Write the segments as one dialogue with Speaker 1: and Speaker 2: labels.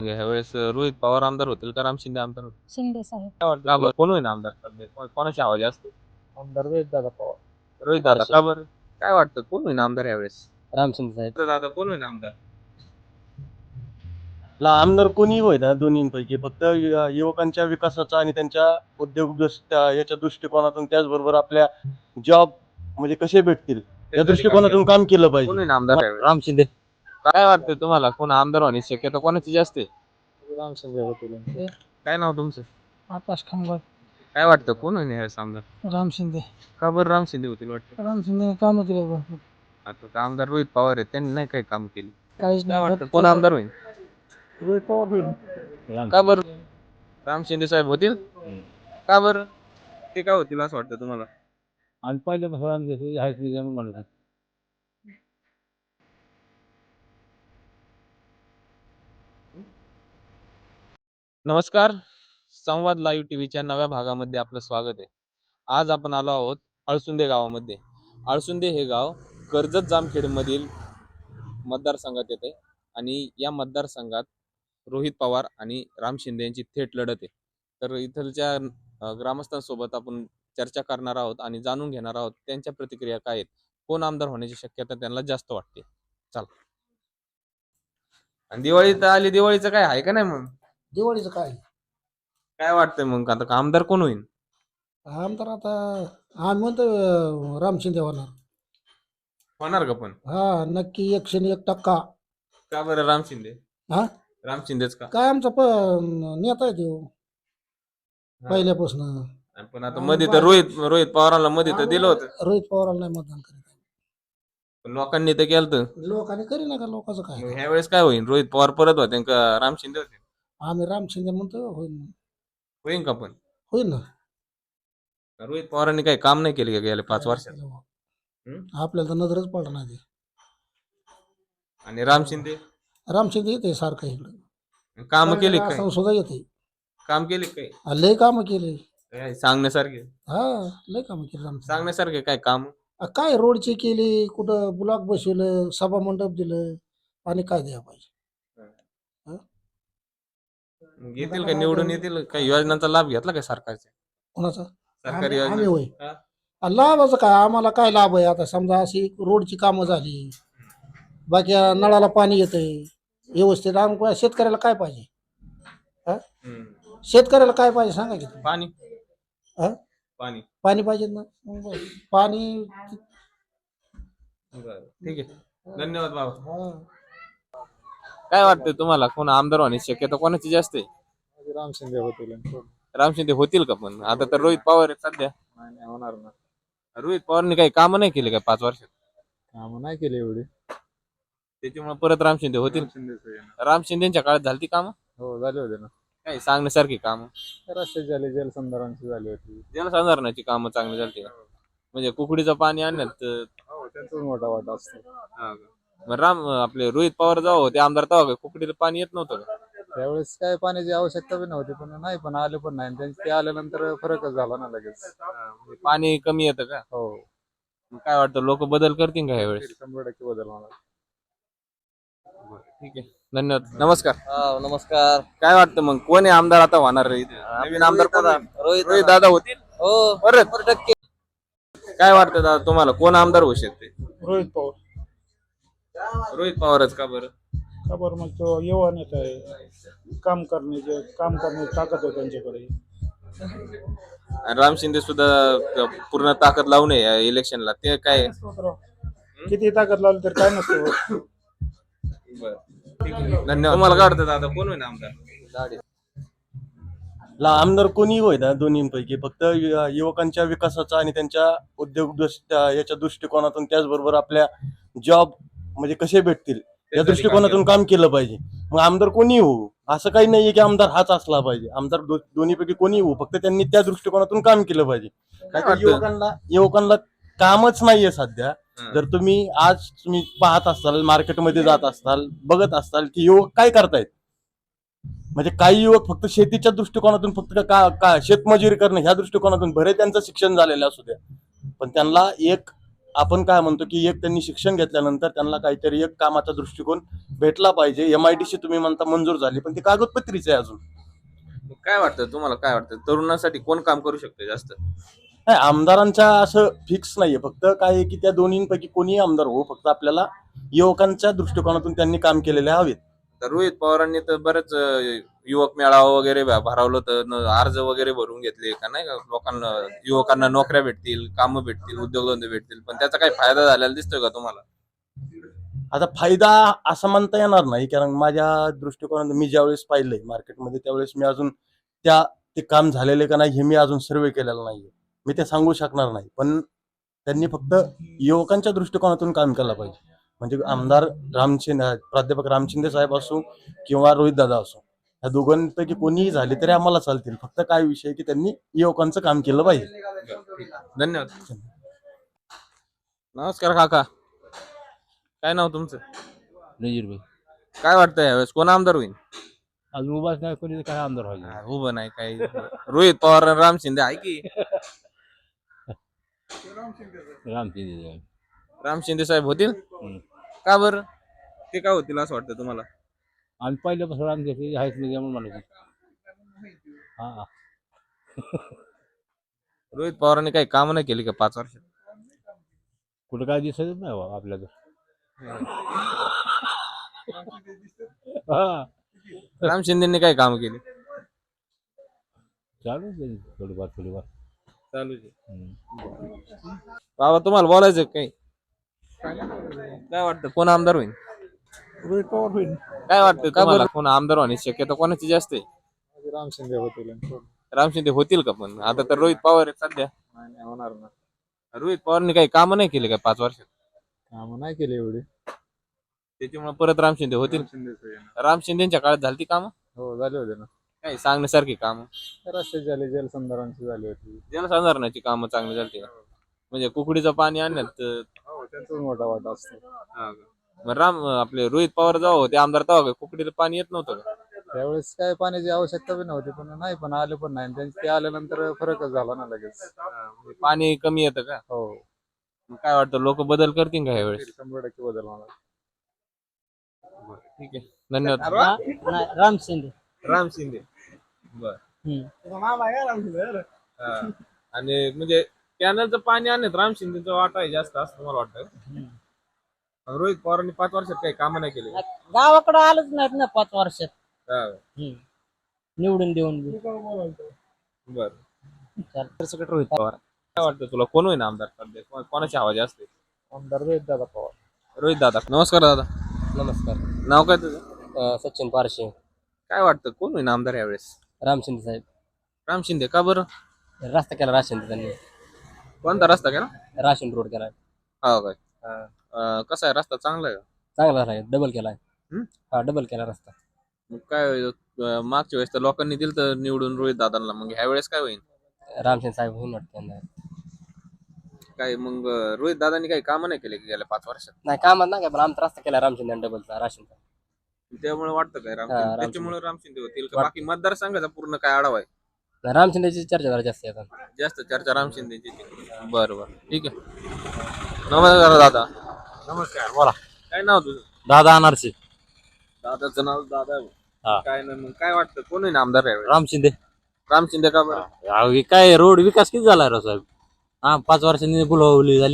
Speaker 1: ह्यावेळेस रोहित पवार आमदार होतील का राम शिंदे आमदार होतील?
Speaker 2: शिंदे साहेब.
Speaker 1: काय वाटतं का बरं? कोण होईल आमदार सध्या? कोणाची आवाज असतो?
Speaker 3: आमदार रोहित दादा पवार.
Speaker 1: रोहित दादा का बरं? काय वाटतं कोण होईल आमदार यावेळेस?
Speaker 3: रामचंद्र साहेब.
Speaker 1: तर दादा कोण होईल आमदार?
Speaker 4: आमदार कोणी होय ना दोन्हीपैकी फक्त युवकांच्या विकासाचा आणि त्यांच्या उद्योग याच्या दृष्टिकोनातून त्याचबरोबर आपल्या जॉब म्हणजे कसे भेटतील या दृष्टिकोनातून काम केलं
Speaker 1: कोण
Speaker 4: पाहिजे.
Speaker 1: होईल आमदार यावेळेस?
Speaker 3: राम शिंदे.
Speaker 1: काय वाटतं तुम्हाला कोण आमदार होण्याची शक्यता कोणाची जास्त आहे?
Speaker 3: राम शिंदे होतील.
Speaker 1: काय नाव तुमचं?
Speaker 2: आकाश खांबळ.
Speaker 1: काय वाटतं कोण होईल यावेळेस आमदार?
Speaker 2: राम शिंदे.
Speaker 1: का बरं राम शिंदे होतील वाटतं?
Speaker 2: राम शिंदे काम केले भरपूर.
Speaker 1: आता तर आमदार रोहित पवार आहेत त्यांनी नाही काही काम केले.
Speaker 2: काहीच
Speaker 1: काय
Speaker 2: नाही
Speaker 1: वाटतं कोण आमदार होईल?
Speaker 2: रोहित पवार होईल.
Speaker 1: का बरं? राम शिंदे साहेब होतील? का बरं? ते काय होतील असं वाटतं तुम्हाला?
Speaker 3: आणि पहिले म्हणलं
Speaker 1: नमस्कार. संवाद लाईव्ह टीव्हीच्या नव्या भागामध्ये आपलं स्वागत आहे. आज आपण आलो आहोत अळसुंदे गावामध्ये. अळसुंदे हे गाव कर्जत जामखेडमधील मतदारसंघात येते आणि या मतदारसंघात रोहित पवार आणि राम शिंदे यांची थेट लढत आहे. तर इथलच्या ग्रामस्थांसोबत आपण चर्चा करणार आहोत आणि जाणून घेणार आहोत त्यांच्या प्रतिक्रिया काय आहेत, कोण आमदार होण्याची शक्यता त्यांना जास्त वाटते. चला. आणि दिवाळी तर आली, दिवाळीचं काय आहे का नाही मग?
Speaker 5: दिवाळीचं काय
Speaker 1: काय वाटतंय मग आता आमदार कोण होईल?
Speaker 5: आमदार आता आम्ही म्हणतो राम शिंदे होणार.
Speaker 1: होणार का पण?
Speaker 5: हा नक्की 101%.
Speaker 1: का बरं राम शिंदे?
Speaker 5: हा
Speaker 1: राम शिंदेच का?
Speaker 5: काय आमचा नेता आहे तो पहिल्यापासून.
Speaker 1: पण आता मध्ये तर रोहित पवारांना मध्ये तर दिलं होतं.
Speaker 5: रोहित पवारांना नाही मतदान करीत.
Speaker 1: पण लोकांनी तर केलं तर.
Speaker 5: लोकांनी करी ना का लोकांचं काय.
Speaker 1: ह्या वेळेस काय होईल? रोहित पवार परत होते का राम शिंदे होते?
Speaker 5: आम्ही राम शिंदे म्हणतो होईल.
Speaker 1: होईल का पण?
Speaker 5: होईल ना.
Speaker 1: रोहित पवारांनी काही काम नाही केले का गेल्या 5 वर्षात?
Speaker 5: आपल्याला तर नजरच पडणार नाही.
Speaker 1: आणि राम शिंदे
Speaker 5: राम शिंदे येते सारखं इकडे
Speaker 1: काम केले काय?
Speaker 5: असं सुद्धा येते.
Speaker 1: काम केले काय?
Speaker 5: लय कामं केले.
Speaker 1: काय सांगण्यासारखे?
Speaker 5: हा लय कामं केली राम शिंदे.
Speaker 1: सांगण्यासारखे काय काम?
Speaker 5: काय रोडची केली, कुठं ब्लॉक बसवलं, सभा मंडप दिलं आणि काय द्या पाहिजे.
Speaker 1: येतील का निवडून येतील? काही योजनांचा लाभ घेतला काय सरकारच्या?
Speaker 5: कोणाचा?
Speaker 1: सरकारी
Speaker 5: आम्ही होय.
Speaker 1: हा?
Speaker 5: लाभाचं काय आम्हाला काय लाभ आहे? आता समजा अशी रोडची कामं झाली, बाकी नळाला पाणी येतंय व्यवस्थित. आम्ही शेतकऱ्याला काय पाहिजे? शेतकऱ्याला काय पाहिजे सांगा की तुम्ही.
Speaker 1: पाणी
Speaker 5: हा?
Speaker 1: पाणी
Speaker 5: पाणी पाहिजे ना. मग बस. पाणी.
Speaker 1: बरं, ठीक आहे. धन्यवाद बाबा.
Speaker 5: हा.
Speaker 1: काय वाटतंय तुम्हाला कोण आमदार होण्याची शक्यता कोणाची जास्त आहे?
Speaker 3: राम शिंदे होतील.
Speaker 1: राम शिंदे होतील का पण? आता तर रोहित पवार आहेत सध्या.
Speaker 3: नाही होणार ना.
Speaker 1: रोहित पवारने काही कामं नाही केले काय 5 वर्षात?
Speaker 3: काम नाही केले एवढी.
Speaker 1: त्याच्यामुळे परत राम शिंदे होतील. राम शिंदेच्या काळात झाली कामं?
Speaker 3: हो झाले होते ना.
Speaker 1: काही सांगण्यासारखी कामं?
Speaker 3: रस्ते झाले, जलसंधारणची झाली होती.
Speaker 1: जलसंधारणाची कामं चांगली झाली का? म्हणजे कुकडीचं पाणी आणण्यात
Speaker 3: हो त्यांचाच मोठा वाटा असतो.
Speaker 1: मग आपले रोहित पवार जेव्हा होते आमदार तेव्हा काय कुकडीला पाणी येत नव्हतं का?
Speaker 3: त्यावेळेस काय पाण्याची आवश्यकता पण नव्हती, पण आले पण नाही. त्यांचे ते आल्यानंतर फरकच झाला ना लगेच.
Speaker 1: म्हणजे पाणी कमी येतं का?
Speaker 3: हो
Speaker 1: मग काय वाटतं लोक बदल करतील का ह्यावेळेस?
Speaker 3: 100% बदल होणार.
Speaker 1: ठीक आहे, धन्यवाद. नमस्कार.
Speaker 6: नमस्कार.
Speaker 1: काय वाटतं मग कोण आहे आमदार आता होणार इथे? नवीन आमदार कोण होईल? रोहित दादा होतील
Speaker 6: हो
Speaker 1: परत?
Speaker 6: 100%.
Speaker 1: काय वाटतं दादा तुम्हाला कोण आमदार होऊ शकते?
Speaker 5: रोहित पवार.
Speaker 1: रोहित पवारच का बरं?
Speaker 5: का बरं मग तो युवा नेता आहे. काम करण्याची ताकद आहे त्यांच्याकडे.
Speaker 1: आणि राम शिंदे सुद्धा पूर्ण ताकद लावू नये इलेक्शनला, ते काय?
Speaker 5: किती ताकद लावली तर काय नसतं.
Speaker 1: धन्यवाद. तुम्हाला काय वाटतं दादा कोण होईल आमदार?
Speaker 4: आमदार कोणी होय ना दोन्हीपैकी फक्त युवकांच्या विकासाचा आणि त्यांच्या उद्योग याच्या दृष्टिकोनातून त्याचबरोबर आपल्या जॉब म्हणजे कसे भेटतील या दृष्टिकोनातून काम केलं पाहिजे. मग आमदार कोणी होऊ असं काही नाहीये की आमदार हाच असला पाहिजे. आमदार दोन्हीपैकी कोणी होऊ, फक्त त्यांनी त्या दृष्टिकोनातून काम केलं पाहिजे.
Speaker 1: काय वाटतं?
Speaker 4: युवकांना कामच नाहीये सध्या. जर तुम्ही पाहत असाल, मार्केटमध्ये जात असाल, बघत असाल की युवक काय करतायत. म्हणजे काही युवक फक्त शेतीच्या दृष्टिकोनातून फक्त शेतमजुरी करणं ह्या दृष्टिकोनातून भरे त्यांचं शिक्षण झालेलं असू द्या, पण त्यांना एक आपण काय म्हणतो की एक त्यांनी शिक्षण घेतल्यानंतर त्यांना काहीतरी एक कामाचा दृष्टिकोन भेटला पाहिजे. MIDC तुम्ही म्हणता मंजूर झाली, पण ती कागदपत्रीच आहे अजून.
Speaker 1: काय वाटतं तुम्हाला, काय वाटतं तरुणांसाठी कोण काम करू शकते जास्त?
Speaker 4: नाही, आमदारांच्या असं फिक्स नाहीये. फक्त काय आहे की त्या दोन्हींपैकी कोणीही आमदार हो, फक्त आपल्याला युवकांच्या दृष्टिकोनातून त्यांनी काम केलेले हवेत.
Speaker 1: तर रोहित पवारांनी तर बरेच युवक मेळावा वगैरे भरवलं तर अर्ज वगैरे भरून घेतले का नाही का, लोकांना युवकांना नोकऱ्या भेटतील, कामं भेटतील, उद्योगधंदे भेटतील, पण त्याचा काही फायदा झालेला दिसतोय का तुम्हाला?
Speaker 4: आता फायदा असं म्हणता येणार नाही, कारण माझ्या दृष्टिकोनातून मी ज्यावेळेस पाहिलंय मार्केटमध्ये त्यावेळेस मी अजून ते काम झालेले का नाही हे मी अजून सर्वे केलेलं नाहीये. मी ते सांगू शकणार नाही. पण त्यांनी फक्त युवकांच्या दृष्टिकोनातून काम केलं पाहिजे. म्हणजे आमदार प्राध्यापक राम शिंदे साहेब असो किंवा रोहित दादा असो, ह्या दोघांपैकी कोणीही झाले तरी आम्हाला चालतील. फक्त काय विषय आहे की त्यांनी युवकांचं काम केलं पाहिजे.
Speaker 1: धन्यवाद. नमस्कार काका, काय नाव तुमचं?
Speaker 2: नजीर भाई
Speaker 1: काय वाटतं यावेळेस कोण आमदार होईल?
Speaker 2: अजून उभाच नाही, कोणी काय आमदार व्हायचं.
Speaker 1: उभं नाही काही. रोहित पवार आणि राम शिंदे आहे की?
Speaker 2: रामचिंदे
Speaker 1: राम शिंदे साहेब होतील का बरं? ते काय होतील असं वाटतं तुम्हाला?
Speaker 2: आम्ही पहिल्यापासून रामचे आहेच नाही म्हणून म्हणायचं. हा
Speaker 1: रोहित पवारांनी काही काम नाही केली का 5 वर्षात?
Speaker 2: कुठं काय दिसतच नाही बा आपल्याला. हा
Speaker 1: राम शिंदेनी काही काम केली?
Speaker 2: चालू आहे थोडीफार थोडीफार.
Speaker 1: चालू बाबा, तुम्हाला बोलायचं काही? काय वाटतं कोण आमदार होईल?
Speaker 3: रोहित पवार होईल.
Speaker 1: काय वाटतं तुम्हाला कोण आमदार होण्याची शक्यता कोणाची जास्त आहे?
Speaker 3: राम शिंदे होतील.
Speaker 1: राम शिंदे होतील का? पण आता तर रोहित पवार आहेत सध्या.
Speaker 3: नाही होणार ना.
Speaker 1: रोहित पवारनी काही कामं नाही केली काय 5 वर्षात?
Speaker 3: कामं नाही केली एवढी.
Speaker 1: त्याच्यामुळे परत राम शिंदे होतील. राम शिंदेच्या काळात झाली ती कामं
Speaker 3: हो झाले होते ना.
Speaker 1: काही सांगण्यासारखी कामं?
Speaker 3: रस्ते झाले, जलसंधारणची झाली होती.
Speaker 1: जलसंधारणाची कामं चांगली झाली का? म्हणजे कुकडीचं पाणी आणण्यात
Speaker 3: हो त्यांचा मोठा वाटा असतो.
Speaker 1: मग आपले रोहित पवार जेव्हा होते आमदार तेव्हा कुकडीला पाणी येत नव्हतं का?
Speaker 3: त्यावेळेस काय पाण्याची आवश्यकता बी नव्हती, पण आले पण नाही. ते आल्यानंतर फरकच झाला ना लगेच.
Speaker 1: म्हणजे पाणी कमी येतं का?
Speaker 3: हो
Speaker 1: मग काय वाटतं लोक बदल करतील का यावेळेस?
Speaker 3: 100% बदल होणार.
Speaker 1: ठीक आहे, धन्यवाद.
Speaker 2: राम शिंदे.
Speaker 1: राम शिंदे, बर. आणि म्हणजे कॅनलचं पाणी आणण्यात राम शिंदेचा वाटा आहे जास्त असं मला वाटतं. रोहित पवारांनी 5 वर्षात काही कामं नाही केली.
Speaker 2: गावाकडे आलंच नाहीत ना 5 वर्षात.
Speaker 1: हा,
Speaker 2: निवडून देऊन
Speaker 1: बर. रोहित पवार, काय वाटतं तुला कोण होईल आमदार सध्या? कोणाची हवा जास्त आहे?
Speaker 3: आमदार रोहित दादा पवार.
Speaker 1: रोहित दादा. नमस्कार दादा.
Speaker 2: नमस्कार.
Speaker 1: नाव काय तुझं?
Speaker 2: सचिन पारशे.
Speaker 1: काय वाटतं कोण होईल आमदार यावेळेस?
Speaker 2: राम शिंदे साहेब.
Speaker 1: राम शिंदे का बरं?
Speaker 2: रस्ता केला राशन त्यांनी.
Speaker 1: कोणता रस्ता केला?
Speaker 2: राशन रोड केलाय.
Speaker 1: हा काय? कसा आहे रस्ता? चांगला आहे का?
Speaker 2: चांगला आहे, डबल केलाय.
Speaker 1: हम्म?
Speaker 2: हा डबल केला रस्ता.
Speaker 1: मग काय मागच्या वेळेस तर लोकांनी दिलं तर निवडून रोहित दादांना, मग ह्या वेळेस काय होईल?
Speaker 2: रामशिंदे साहेब होऊन वाटतं.
Speaker 1: काय मग रोहित दादांनी काही कामं नाही केले गेल्या 5 वर्षात?
Speaker 2: नाही कामात नाही काय, पण आमचा रस्ता केला रामशिंदे डबलचा राशनचा.
Speaker 1: त्यामुळे वाटतं काय राम
Speaker 2: हा,
Speaker 1: शिंदे?
Speaker 2: राम
Speaker 1: त्याच्यामुळे राम शिंदे होतील का? बाकी मतदारसंघाचा पूर्ण काय आढावा आहे?
Speaker 2: रामशिंदेची चर्चा जरा जास्त आहे आता.
Speaker 1: जास्त चर्चा राम शिंदेची. बरं बरं, ठीक आहे. नमस्कार दादा.
Speaker 2: नमस्कार, बोला.
Speaker 1: काय नाव तुझं?
Speaker 2: दादा अनारसे.
Speaker 1: दादाचं नाव दादा आहे.
Speaker 2: हा.
Speaker 1: काय नाही, मग काय वाटतं कोण होईल आमदार यावेळेस?
Speaker 2: राम शिंदे.
Speaker 1: राम शिंदे का बरं?
Speaker 2: काय रोड विकास किती झाला राव साहेब? हा 5 वर्षांनी बुलवली झाली.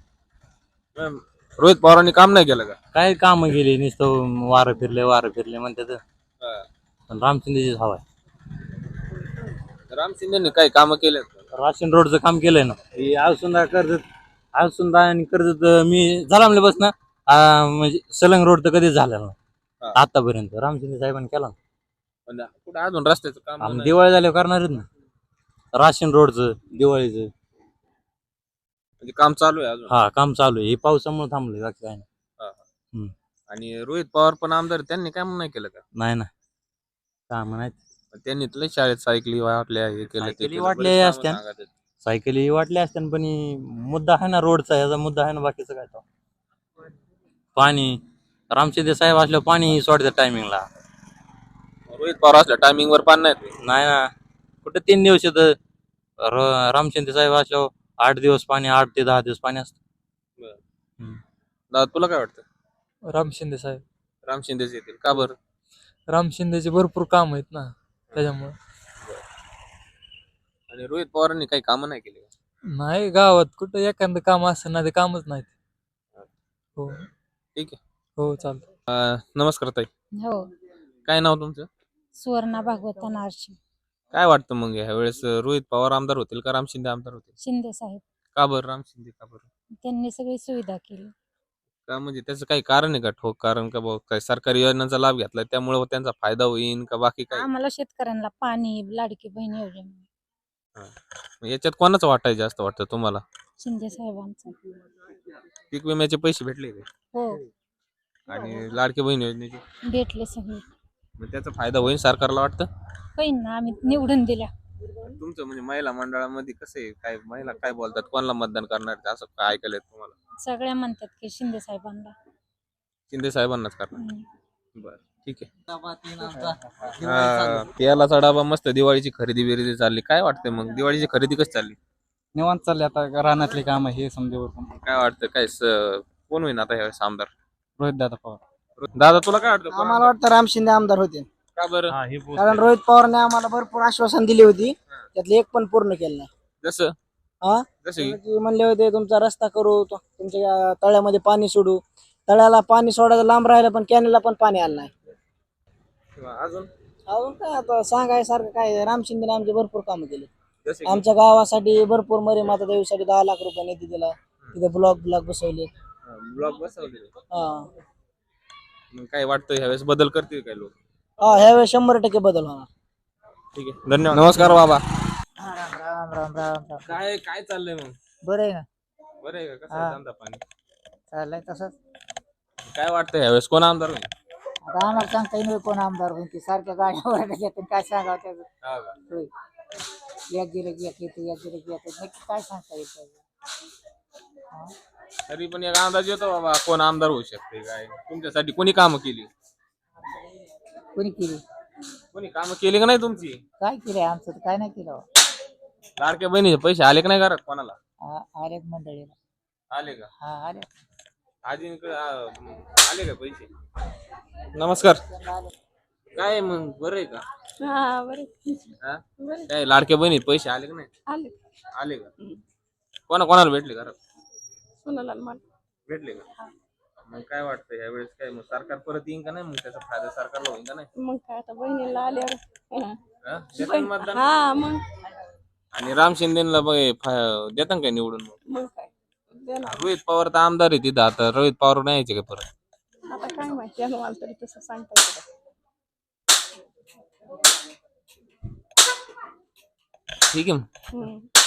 Speaker 1: रोहित पवारांनी काम नाही केलं का?
Speaker 2: काय काम गेली नुसतं वारं फिरले म्हणतात. पण राम शिंदेचीच हवा आहे.
Speaker 1: राम शिंदेनी काही कामं केले?
Speaker 2: राशन रोडचं काम केलंय ना. ही आळसुंदा आणि कर्जत मी झाला बस ना. म्हणजे सलंग रोड तर कधीच झालेला
Speaker 1: हा.
Speaker 2: ना आतापर्यंत. राम शिंदे साहेबांनी केला ना.
Speaker 1: पण कुठं अजून रस्त्याचं काम
Speaker 2: आम्ही
Speaker 1: नाही?
Speaker 2: दिवाळी झाल्यावर करणारच ना. राशन रोडचं दिवाळीचं.
Speaker 1: म्हणजे काम चालू आहे अजून?
Speaker 2: हा काम चालू आहे. हे पावसामुळे थांबलंय बाकी काय नाही.
Speaker 1: आणि रोहित पवार पण आमदार, त्यांनी काम नाही केलं का?
Speaker 2: नाही ना काम नाही.
Speaker 1: त्यांनी तुला शाळेत सायकली वाटल्या, हे केलं ते
Speaker 2: सायकली
Speaker 1: केलं,
Speaker 2: वाटल्या
Speaker 1: बरेच कामं
Speaker 2: असत्या.
Speaker 1: सांगत आहेत.
Speaker 2: सायकली वाटल्या असत्या पण मुद्दा आहे ना रोडचा. ह्याचा मुद्दा आहे ना, बाकीचं काय तो पाणी. रामशिंदे साहेब असल्यावर पाणी सोडतात टायमिंगला.
Speaker 1: रोहित पवार असल्या टायमिंग वर पाणी नाही.
Speaker 2: नाही ना कुठं 3 दिवस येतं. रामशिंदे साहेब असल्यावर 8 दिवस पाणी, 8 ते 10 दिवस पाणी असतं.
Speaker 1: दादा तुला काय वाटतं?
Speaker 2: राम शिंदे साहेब.
Speaker 1: राम शिंदेच येतील का बरं?
Speaker 2: राम शिंदेचे भरपूर काम आहेत ना त्याच्यामुळे.
Speaker 1: आणि रोहित पवारांनी काही कामं नाही केली का?
Speaker 2: नाही गावात कुठं एखादं काम असं ना ते कामच नाहीत. हो
Speaker 1: ठीक आहे.
Speaker 2: हो चालतं.
Speaker 1: नमस्कार ताई,
Speaker 6: हो.
Speaker 1: काय नाव तुमचं?
Speaker 6: सुवर्णा भागवत नारशी.
Speaker 1: काय वाटतं मग ह्या वेळेस रोहित पवार आमदार होतील का राम शिंदे आमदार होतील?
Speaker 6: शिंदे साहेब.
Speaker 1: का बरं राम शिंदे का बरं?
Speaker 6: त्यांनी सगळी सुविधा केली.
Speaker 1: का म्हणजे त्याचं काही कारण आहे का ठोक कारण का भाऊ काय सरकारी योजनांचा लाभ घेतलाय त्यामुळे त्यांचा फायदा होईल का बाकी काय?
Speaker 6: आम्हाला शेतकऱ्यांना पाणी, लाडकी बहीण योजना.
Speaker 1: मग याच्यात कोणाचं वाटाय जास्त वाटतं तुम्हाला?
Speaker 6: शिंदे साहेबांचं.
Speaker 1: पीक विम्याचे पैसे भेटले का?
Speaker 6: हो.
Speaker 1: आणि लाडकी बहीण योजनेचे
Speaker 6: भेटले सगळे.
Speaker 1: मग त्याचा फायदा होईल सरकारला वाटतं?
Speaker 6: होईन ना, आम्ही निवडून दिल्या.
Speaker 1: तुमचं म्हणजे महिला मंडळामध्ये कसं आहे काय महिला काय बोलतात कोणाला मतदान करणार असं काय ऐकलंय तुम्हाला?
Speaker 6: सगळ्या म्हणतात की शिंदे साहेबांना.
Speaker 1: शिंदे साहेबांनाच करणार.
Speaker 6: हम्म.
Speaker 1: बरं ठीक आहे. तेलाचा डबा मस्त दिवाळीची खरेदी बिरेदी चालली काय वाटतंय मग दिवाळीची खरेदी कशी चालली?
Speaker 3: निवांत चालले आता रानातली काम हे समजे
Speaker 1: काय वाटतं काय कोण होईल आता ह्यावेळेस आमदार?
Speaker 3: रोहित दादा पवार.
Speaker 1: दादा तुला काय वाटतं कोण
Speaker 7: आम्हाला
Speaker 1: आमदार?
Speaker 7: वाटतं राम शिंदे आमदार होते
Speaker 1: का बरं?
Speaker 7: कारण रोहित पवारने आम्हाला भरपूर आश्वासन दिली होती त्यातले एक पण पूर्ण केलं नाही.
Speaker 1: जसं
Speaker 7: हा
Speaker 1: जसं की
Speaker 7: की म्हणले होते तुमचा रस्ता करू तुमच्या तळ्यामध्ये पाणी सोडू. तळ्याला पाणी सोडायचं लांब राहिलं पण कॅनेलला पण पाणी आलं नाही.
Speaker 1: अजून
Speaker 7: अजून काय आता सांगायसारखं काय राम शिंदेने आमचे भरपूर कामं केली.
Speaker 1: जसं की
Speaker 7: आमच्या गावासाठी भरपूर मरी माता देवीसाठी 10 लाख रुपये निधी दिला. तिथे ब्लॉक बसवले.
Speaker 1: ब्लॉग बसवले.
Speaker 7: हा
Speaker 1: मग काय वाटतं ह्यावेळेस बदल करतील काय लोक?
Speaker 7: हा ह्यावेळेस 100% बदल होणार.
Speaker 1: ठीक आहे धन्यवाद. नमस्कार बाबा.
Speaker 7: राम राम राम राम.
Speaker 1: काय काय चाललंय मग?
Speaker 7: बरं आहे ना
Speaker 1: बरं आहे का कसं आहे धंदा पाणी?
Speaker 7: चाललंय तसंच.
Speaker 1: काय वाटतं ह्यावेळेस कोण आमदार होईल?
Speaker 7: आता आम्हाला सांगता येईल कोण आमदार होईल की सारख्या गाड्या घेतात काय सांगावं त्याचं.
Speaker 1: हा का?
Speaker 7: होय. एक गेलं की एक येते एक गेलं की एक येते. नक्की काय सांगता येईल त्याचं.
Speaker 1: तरी पण एक अंदाज येतो बाबा कोण आमदार होऊ शकते काय तुमच्यासाठी कोणी कामं केली?
Speaker 7: कोणी केली
Speaker 1: कोणी कामं केली का नाही तुमची?
Speaker 7: काय केलंय आमचं तर काय नाही केलं.
Speaker 1: लाडक्या बहिणीचे पैसे आले का नाही घरात कोणाला?
Speaker 7: आले मंडळीला.
Speaker 1: आले का?
Speaker 7: हा आले.
Speaker 1: आजींकडे आले का पैसे? नमस्कार. काय मग बरं आहे का?
Speaker 6: हा बरे.
Speaker 1: हा? काय लाडक्या बहिणीचे पैसे आले का नाही?
Speaker 6: आले.
Speaker 1: आले का? कोणाला भेटले घरात?
Speaker 6: सोनाला मान.
Speaker 1: भेटले का? मग काय वाटतं यावेळेस काय मग सरकार परत येईन का नाही मग त्याचा फायदा सरकारला होईल का नाही?
Speaker 6: मग काय आता बहिणीला आल्यावर.
Speaker 1: हा? देतान मतदान?
Speaker 6: हा मग
Speaker 1: आणि राम शिंदेला देतान काय निवडून मग?
Speaker 6: मग काय देणार.
Speaker 1: रोहित पवार तर आमदार आहे तिथं आता रोहित पवार नाही यायचे का परत?
Speaker 6: आता काय माहिती मला तरी तसं सांगता येतं.
Speaker 1: ठीक आहे मग.